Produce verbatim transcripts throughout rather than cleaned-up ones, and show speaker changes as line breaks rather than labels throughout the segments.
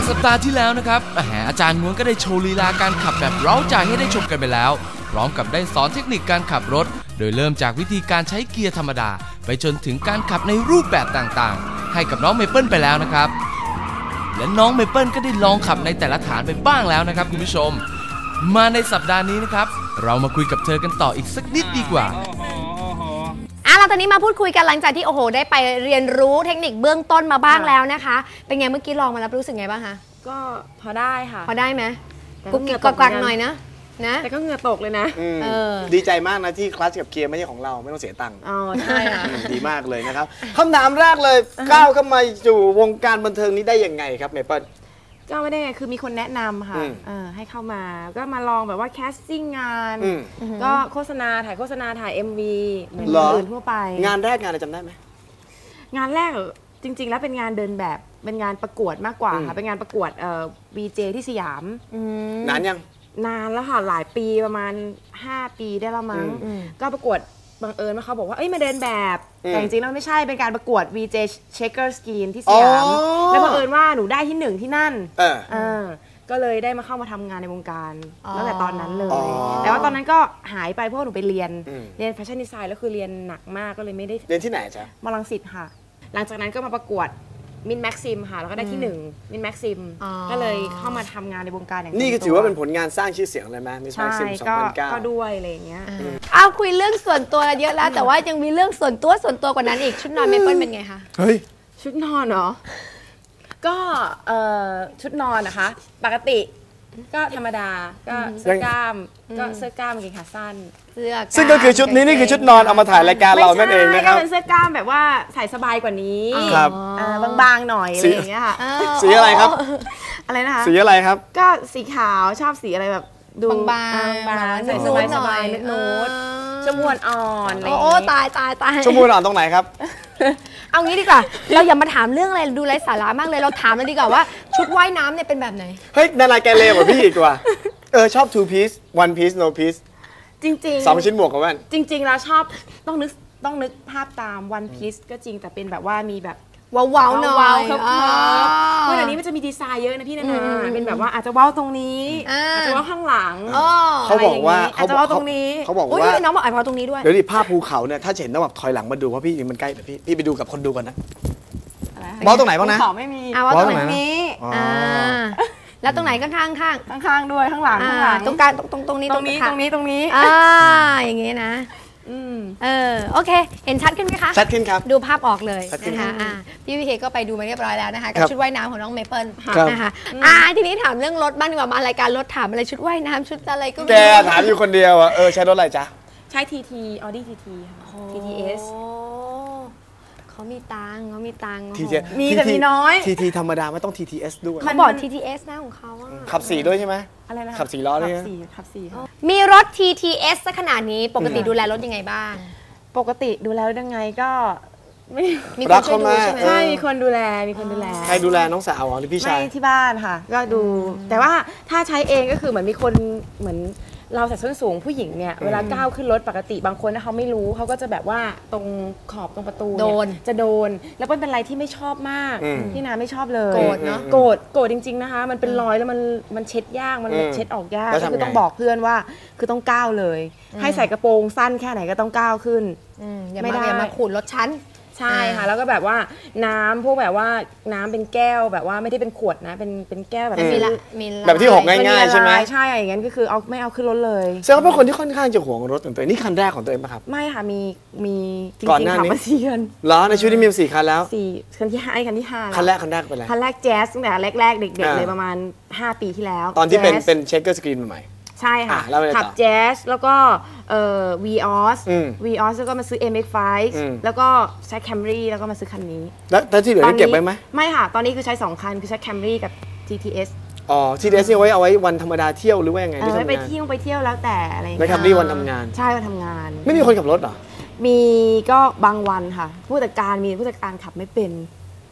สัปดาห์ที่แล้วนะครับอาจารย์ง้วนก็ได้โชว์ลีลาการขับแบบเร้าใจให้ได้ชมกันไปแล้วพร้อมกับได้สอนเทคนิคการขับรถโดยเริ่มจากวิธีการใช้เกียร์ธรรมดาไปจนถึงการขับในรูปแบบต่างๆให้กับน้องเมเปิลไปแล้วนะครับและน้องเมเปิลก็ได้ลองขับในแต่ละฐานไปบ้างแล้วนะครับคุณผู้ชมมาในสัปดาห์นี้นะครับเรามาคุยกับเธอกันต่ออีกสักนิดดีกว่า
อ่ะเราตอนนี้มาพูดคุยกันหลังจากที่โอ้โหได้ไปเรียนรู้เทคนิคเบื้องต้นมาบ้างแล้วนะคะเป็นไงเมื่อกี้ลองมาแล้วรู้สึกไงบ้างคะ
ก็พอได้ค่ะ
พอได้ไหมกุ๊กกิ๊กกักหน่อยนะนะ
แต่ก็เหงื่อตกเลยนะ
ดีใจมากนะที่คลัตช์กับเกียร์ไม่ใช่ของเราไม่ต้องเสียตังค์
อ๋อใช่ค่ะ
ดีมากเลยนะครับคำถามแรกเลยก้าวเข้ามาสู่วงการบันเทิงนี้ได้ยังไงครับเมเปิล
ก็ไม่ได้ไงคือมีคนแนะนำค่ะให้เข้ามาก็มาลองแบบว่าแคสติ้งงานก็โฆษณาถ่ายโฆษณาถ่าย เอ็ม วี เหมือนอื่นทั่วไป
งานแรกงานอะไรจำได้ไหม
งานแรกจริงๆแล้วเป็นงานเดินแบบเป็นงานประกวดมากกว่าค่ะเป็นงานประกวดเอ่อ วี เจ ที่สยาม
นานยัง
นานแล้วค่ะหลายปีประมาณห้าปีได้แล้วมั้งก็ประกวดบังเอิญว่าเขาบอกว่าเอ้ยมาเดินแบบแต่จริงๆแล้วไม่ใช่เป็นการประกวด วี เจ Checker Skin ที่สยามแล้วบังเอิญว่าหนูได้ที่หนึ่งที่นั่นก็เลยได้มาเข้ามาทำงานในวงการตั้งแต่ตอนนั้นเลยแต่ว่าตอนนั้นก็หายไปเพราะหนูไปเรียนเรียนแฟชั่นดีไซน์แล้วคือเรียนหนักมากก็เลยไม่ได้
เรียนที่ไหนจ๊ะ
มอลังสิตค่ะหลังจากนั้นก็มาประกวดมินแม็กซิมค่ะแล้วก็ได้ที่หนึ่งมินแม็กซิมก็เลยเข้ามาทำงานในวงการอย่าง
นี่ก็ถือว่าเป็นผลงานสร้างชื่อเสียงเลยไหมมินแม็กซิมสองพันเก้า
ก็ด้วยอะไรอย่างเงี้ย
เอาคุยเรื่องส่วนตัวเยอะแล้วแต่ว่ายังมีเรื่องส่วนตัวส่วนตัวกว่านั้นอีกชุดนอนเมเปิลเป็นไงคะ
เฮ้ย
ชุดนอนเหรอก็ชุดนอนนะคะปกติก็ธรรมดาก็เสื้อกล้ามก็เสื้อกล้ามกางเกงขาสั้น
เสื้อ
ซึ่งก็คือชุดนี้นี่คือชุดนอนเอามาถ่ายรายการเรานั่นเองนะครับ
ก็เป็นเสื้อกล้ามแบบว่าใส่สบายกว่านี้ครับบางๆหน่อยอะไรอย่างเงี้ยค่ะ
สีอะไรครับ
อะไรนะคะ
สีอะไรครับ
ก็สีขาวชอบสีอะไรแบบ
ดูบางๆใส่สบายสบาย
นูดชมพูอ่อน
โอ้ตายตายตาย
ชมพูอ่อนตรงไหนครับ
เอางี้ดีกว่าเราอย่ามาถามเรื่องอะไรดูไร้สาระมากเลยเราถามเลยดีกว่าว่าชุดว่ายน้ำเนี่ยเป็นแบบไหน
เฮ้ยนาราแกเลวกว่าพี่อีกว่าเออชอบ two piece one piece no piece
จริงๆ
สองชิ้นหมวกกับแว่น
จริงๆแล้วชอบต้องนึกต้องนึกภาพตาม one piece ก็จริงแต่เป็นแบบว่ามีแบบ
ว้าวๆหน่อย
ครับเมื่อเดี๋ยวนี้มันจะมีดีไซน์เยอะนะพี่นานาเป็นแบบว่าอาจจะว้าวตรงนี้อาจจะว้าวข้างหลัง
เขาบอกว่า
อาจจะว้าวตรงนี้
เขาบอกว่า
น้องบอกอาจจะว้าวตรงนี้ด้วย
เดี๋ยวดิภาพภูเขาเนี่ยถ้าเห็นต้องแบบถอยหลังมาดูเพราะพี่มันใกล้แต่พี่พี่ไปดูกับคนดูก่อนนะว้าวตรงไหนบ้างนะ
ภูเขาไม่มี
ว้าวตรงนี้แล้วตรงไหนข้างข้างข้าง
ข้างด้วยข้างหลังข้างหลัง
ตรงกลางตรงตรงนี้
ตรงนี้ตรงนี้ตรงนี้
อ่าอย่างงี้นะเออโอเคเห็นชัดขึ้นไหมคะ
ชัดขึ้นครับ
ดูภาพออกเลยนะคะพี่วิเคก็ไปดูมาเรียบร้อยแล้วนะคะกับชุดว่ายน้ำของน้องเมเปิลนะคะอ่าทีนี้ถามเรื่องรถบ้างดีกว่ามารายการรถถามอะไรชุดว่ายน้ำชุดอะไรก็
แกถามอยู่คนเดียวอ่ะเออใช้รถอะไรจ๊ะ
ใช้ ที ที Audi ที ที ที ที เอส
เขามีตังเขามีตัง
มีแต่มีน้อย
ที ที ธรรมดาไม่ต้อง ที ที เอส ด้วย
เขาบอก ที ที เอส นะของเขา
ขับสี่ด้วยใช่ไหม
อะไรนะ
ขับสี่ล้อเลย
ขับสี่ขับสี่
มีรถ ที ที เอส ซะขนาดนี้ปกติดูแลรถยังไงบ้าง
ปกติดูแลยังไงก็
มีคนช่วยดูใช่ไหม
ใช่มีคนดูแลมีคนดูแล
ใครดูแลน้องสาวหรือพี่ชาย
ไม่ที่บ้านค่ะก็ดูแต่ว่าถ้าใช้เองก็คือเหมือนมีคนเหมือนเราใส่ส้นสูงผู้หญิงเนี่ยเวลาก้าวขึ้นรถปกติบางคนนะเขาไม่รู้เขาก็จะแบบว่าตรงขอบตรงประตู
โดน
จะโดนแล้วเป็นอะไรที่ไม่ชอบมากที่นาไม่ชอบเลย
โกรธเนาะ
โกรธโกรธจริงๆนะคะมันเป็นรอยแล้วมันมันเช็ดยากมันเช็ดออกยากก็คือต้องบอกเพื่อนว่าคือต้องก้าวเลยให้ใส่กระโปรงสั้นแค่ไหนก็ต้องก้าวขึ้น
ไม่ได้มาขูดรถชั้น
ใช่ค่ะแล้วก็แบบว่าน้ำพวกแบบว่าน้ำเป็นแก้วแบบว่าไม่ได้เป็นขวดนะเป็นเป็นแก้วแบบ
มีละมี
แบบที่หกง่ายๆใช่ไหม
ใช่อย่างนั้นก็คือเอาไม่เอาขึ้นรถเลย
แสดงว่าเป็นคนที่ค่อนข้างจะหวงรถของตัวเองนี่คันแรกของตัวเองป่ะครับ
ไม่ค่ะมีมีจริงๆขับมาสี่คัน
เหรอในชีวิตนี้มีสี่คันแล้ว
สี่คันที่ห้าคันที่ห้า
คันแรกคันแรกเป็นอะไร
คันแรกแจ๊สตั้งแต่แรกๆเด็กๆเลยประมาณห้าปีที่แล้ว
ตอนที่เป็นเป็นเช็คเกอร์สกรีนใหม่
ใช่ค่ะขับแจ๊สแล้วก็เอ่อ วี ออส วี ออส แล้วก็มาซื้อ เอ็ม เอ็กซ์ ไฟว์ แล้วก็ใช้ Camry แล้วก็มาซื้อคันนี้
แล้วที่เหลือนี่เก็บไว้ไหม
ไม่ค่ะตอนนี้คือใช้สองคันคือใช้ Camry กับ ที ที เอส
อ๋อ ที ที เอส นี่ไว้เอาไว้วันธรรมดาเที่ยวหรือว่ายังไง
ไม่ไปเที่ยวไปเที่ยวแล้วแต่อะไรอย่าง
เงี้ยไม่ Camry วันทำงาน
ใช่วันทำงาน
ไม่มีคนขับรถเหรอ
มีก็บางวันค่ะผู้จัดการมีผู้จัดการขับไม่เป็น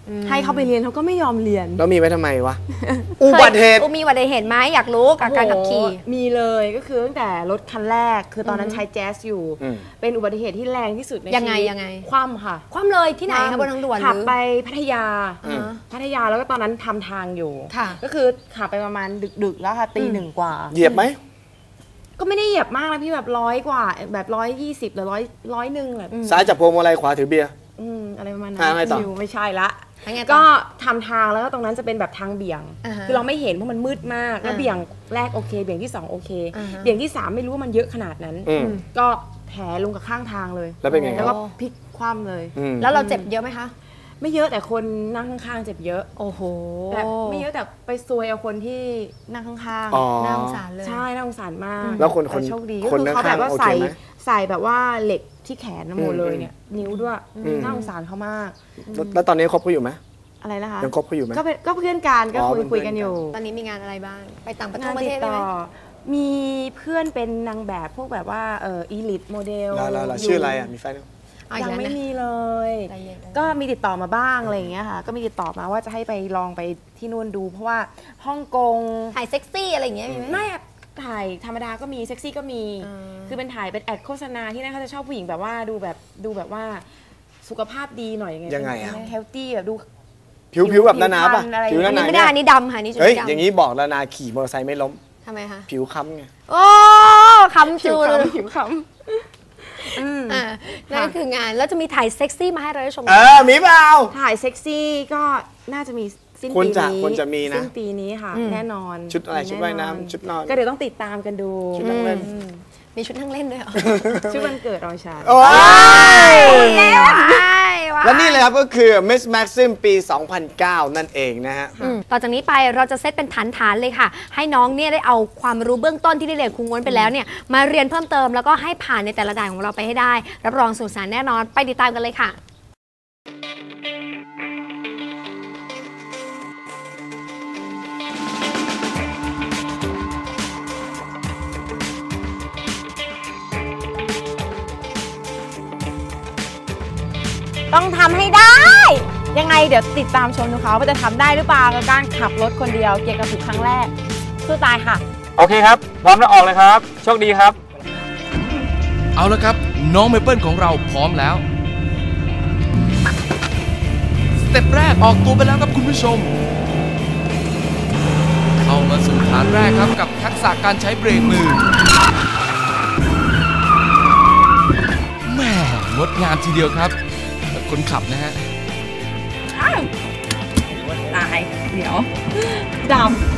ให้เขาไปเรียนเขาก็ไม่ยอมเรียน
แล้วมีไว้ทำไมวะ อุบัติเหตุ
มีอุบัติเหตุไหมอยากรู้กับการขับขี่
มีเลยก็คือตั้งแต่รถคันแรกคือตอนนั้นใช้แจ๊สอยู่เป็นอุบัติเหตุที่แรงที่สุดในชีวิต
ยังไงยังไง
คว่ำค่ะ
คว่ำเลยที่ไหนคะบนทางด่วน
ขับไปพัทยาพัทยาแล้วก็ตอนนั้นทำทางอยู่ก็คือขับไปประมาณดึกๆแล้วค่ะตีหนึ่งกว่า
เหยียบไหม
ก็ไม่ได้เหยียบมากนะพี่แบบร้อยกว่าแบบร้อยยี่สิบหรือร้อยร้อยหนึ่งแบบ
ซ้ายจับพวงมาลัยขวาถือเบียร์
อะไรประมาณนั้นไม่ใช่ละก็ทำทางแล้วก็ตรงนั้นจะเป็นแบบทางเบี่ยงคือเราไม่เห็นเพราะมันมืดมากแล้วเบี่ยงแรกโอเคเบี่ยงที่สองโอเคเบี่ยงที่สามไม่รู้ว่ามันเยอะขนาดนั้นก็แผลลงกับข้างทางเลย
แล้วเป็นไง
แล้วก็พลิกคว่ำเลย
แล้วเราเจ็บเยอะไหมคะ
ไม่เยอะแต่คนนั่งข้างๆเจ็บเยอะ
โอ้โห
แต่ไม่เยอะแต่ไปซวยเอาคนที่นั่งข้าง
ๆน่าสงสารเลย
ใช่น่าสงสารมาก
แล้วคนคน
โชคดีก็คือเขาแบบว่าใส่ใส่แบบว่าเหล็กที่แขนหมดเลยเนี่ยนิ้วด้วยน่าสงสารเขามาก
แล้วตอนนี้คบเขาอยู่ไหม
อะไรนะคะ
ยังคบเขาอยู่ไหม
ก็เป็นก็เพื่อนกันก็คุยคุยกันอยู่
ตอนนี้มีงานอะไรบ้างไปต่างประเทศได้ไหม
มีเพื่อนเป็นนางแบบพวกแบบว่าเอออีลิทโมเดล
แล้วชื่ออะไรอ่ะมีแฟน
ยังไม่มีเลยก็มีติดต่อมาบ้างอะไรอย่างเงี้ยค่ะก็มีติดต่อมาว่าจะให้ไปลองไปที่นู่นดูเพราะว่าฮ่องกง
ถ่ายเซ็กซี่อะไรอย่างเงี้ยมีไหม
ไม่ถ่ายธรรมดาก็มีเซ็กซี่ก็มีคือเป็นถ่ายเป็นแอดโฆษณาที่นั่นเขาจะชอบผู้หญิงแบบว่าดูแบบดูแบบว่าสุขภาพดีหน่อยยังไง
ยังไงอะ
เฮลตี้แบบดู
ผิวผิวแบบนานาป่ะ
ผิวนานาไม่ได้นี่ดำค่ะนี่
เฮ้ยอย่างนี้บอกนานาขี่มอเตอร์ไซค์ไม่ล้ม
ทำไมคะ
ผิวค้ำไง
โอ้ค้ำจู
ผิวค้ำ
อ่านั่นคืองานแล้วจะมีถ่ายเซ็กซี่มาให้เราได้ชม
เออมีเปล่า
ถ่ายเซ็กซี่ก็น่าจะมีสิ้นปีนี้
ควรจะมีนะ
สิ้นปีนี้ค่ะแน่นอน
ชุดอะไรชุดว่ายน้ำชุดนอน
ก็เดี๋ยวต้องติดตามกันดู
ชุดนั่งเล่น
มีชุดนั่งเล่นด้วยเหรอ
ชุดวันเกิดรอยชา
โอ้ยและนี่เลยครับก็คือ Miss Maxim ปี สองพันเก้า นั่นเองนะฮะ
ต่อจากนี้ไปเราจะเซตเป็นฐานๆเลยค่ะให้น้องเนี่ยได้เอาความรู้เบื้องต้นที่ได้เรียนครูง้วนไปแล้วเนี่ยมาเรียนเพิ่มเติมแล้วก็ให้ผ่านในแต่ละด่านของเราไปให้ได้รับรองสนุกสนานแน่นอนไปติดตามกันเลยค่ะ
ต้องทำให้ได้ยังไงเดี๋ยวติดตามชมดูเขาว่าจะทำได้หรือเปล่ากับการขับรถคนเดียวเกียร์กระปุกครั้งแรกสู้ตายค่ะ
โอเคครับพร้อมแล้วออกเลยครับโชคดีครับ
เอาละครับน้องเมเปิลของเราพร้อมแล้วสเต็ปแรกออกตัวไปแล้วครับคุณผู้ชมเข้ามาสู่ฐานแรกครับกับทักษะการใช้เบรกมือแม่งดงามทีเดียวครับคนขับนะฮะ
ตายเดี๋ยวด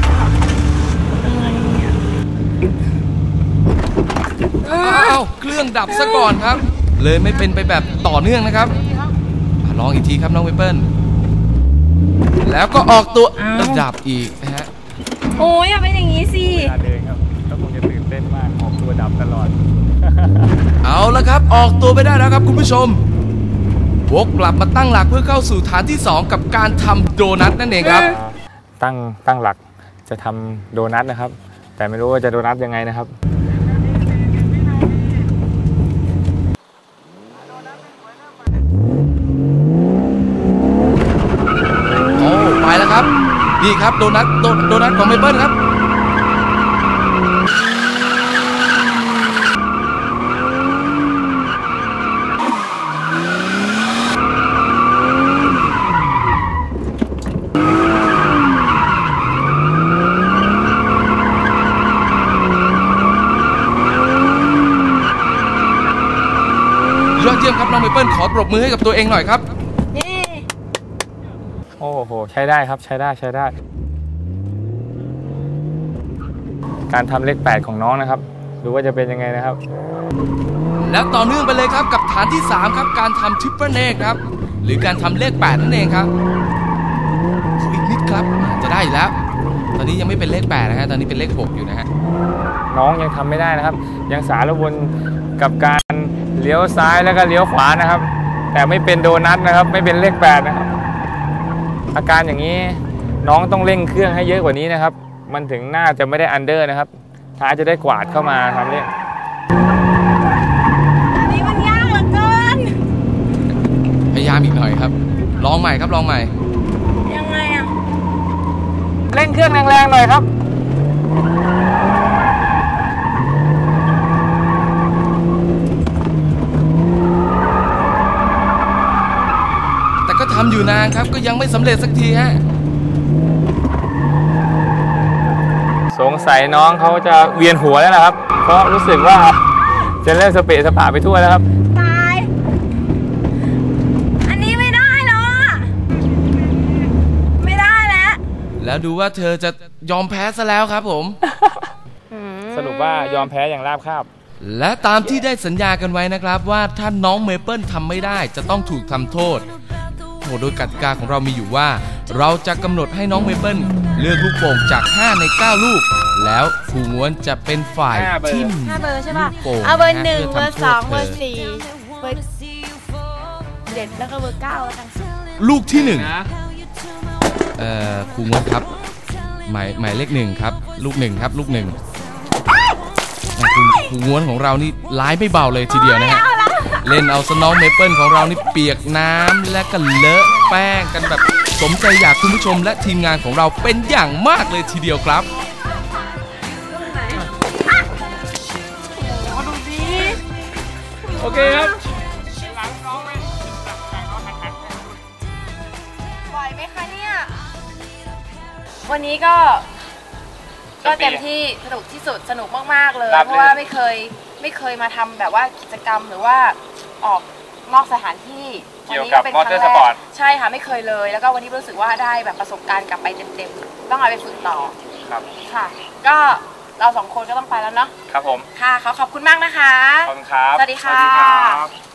ำอ้าวเครื่องดับซะก่อนครับเลยไม่เป็นไปแบบต่อเนื่องนะครับลองอีกทีครับน้องเมเปิลแล้วก็ออกตัวดับอีกนะฮะ
โอ้ยอย่าเป็นอย่างนี้สิ
เวลาเดินครับก็คงจะตื่นเต้นมากออกตัวดับตลอด
เอาละครับออกตัวไปได้แล้วครับคุณผู้ชมวกกลับมาตั้งหลักเพื่อเข้าสู่ฐานที่สองกับการทำโดนัทนั่นเองครับ
ตั้งตั้งหลักจะทำโดนัทนะครับแต่ไม่รู้ว่าจะโดนัทยังไงนะครับ
โอ้ไปแล้วครับนี่ครับโดนัทโดนัทของเมเปิลครับยอดเยี่ยมครับน้องเมเปิลขอปรบมือให้กับตัวเองหน่อยครับ
โอ้โหใช้ได้ครับใช้ได้ใช้ได้การทำเลขแปดของน้องนะครับดูว่าจะเป็นยังไงนะครับ
แล้วต่อเนื่องไปเลยครับกับฐานที่สามครับการทำทริปเปิลเนกครับหรือการทำเลขแปดนั่นเองครับอีกนิดครับจะได้แล้วตอนนี้ยังไม่เป็นเลขแปดนะฮะตอนนี้เป็นเลขหกอยู่นะฮะ
น้องยังทำไม่ได้นะครับยังสารวนกับการเลี้ยวซ้ายแล้วก็เลี้ยวขวานะครับแต่ไม่เป็นโดนัทนะครับไม่เป็นเลขแปดนะครับอาการอย่างนี้น้องต้องเร่งเครื่องให้เยอะกว่านี้นะครับมันถึงน่าจะไม่ได้อันเดอร์นะครับท้ายจะได้กวาดเข้ามาทำเร่ง
อันนี้มันยากเหลือเกิน
พยายามอีกหน่อยครับลองใหม่ครับลองใหม่
เร่งเครื่องแรงๆหน่อยครับ
แต่ก็ทำอยู่นานครับก็ยังไม่สำเร็จสักทีฮะ
สงสัยน้องเขาจะเวียนหัวแล้วนะครับเพราะรู้สึกว่าจะเริ่มสเปะสปะไปทั่วแล้วครับ
ตายอันนี้ไม่ได้แล้วอ่ะไม่ได้แล้ว
แล้วดูว่าเธอจะยอมแพ้ซะแล้วครับผม
สรุปว่ายอมแพ้อย่างราบคาบ
และตามที่ได้สัญญากันไว้นะครับว่าถ้าน้องเมเปิลทำไม่ได้จะต้องถูกทำโทษโดยกติกาของเรามีอยู่ว่าเราจะกำหนดให้น้องเมเปิลเลือกลูกโป่งจากห้าในเก้าลูกแล้วครูง้วนจะเป็นฝ่ายทิ่ม
ห้าเบอร์ใช่ป่ะ
ลูกโป่ง
เอาเบอร์หนึ่งเบอร์สองเบอร์สี่เบอร์เจ็ดแล้วก็เบอร์เก้าแล้วกัน
ลูกที่หนึ่งเอ่อครูง้วนครับหมายหมายเลขหนึ่งครับลูกหนึ่งครับลูกหนึ่งคุณครูง้วนของเรานี่ร้ายไม่เบาเลยทีเดียวนะฮะเล่นเอาสน้องเมเปิลของเรานี่เปียกน้ำและก็เลอะแป้งกันแบบสมใจอยากคุณผู้ชมและทีมงานของเราเป็นอย่างมากเลยทีเดียวครับ
โอเคครับ
ไหวไหมคะเนี่ยวันนี้ก็ก็เต็มที่สนุกที่สุดสนุกมากๆเลยเพราะว่าไม่เคยไม่เคยมาทำแบบว่ากิจกรรมหรือว่าออกนอกสถานที่
เกี่ยวกับมอเตอร์สปอร์ต
ใช่ค่ะไม่เคยเลยแล้วก็วันนี้รู้สึกว่าได้แบบประสบการณ์กลับไปเต็มๆต้องเอาไปฝึกต่อ
ครับ
ค่ะก็เราสองคนก็ต้องไปแล้วเนาะ
ครับผม
ค่ะขอขอบคุณมากนะคะ
ขอบคุณครับ
สวัสดีค่ะ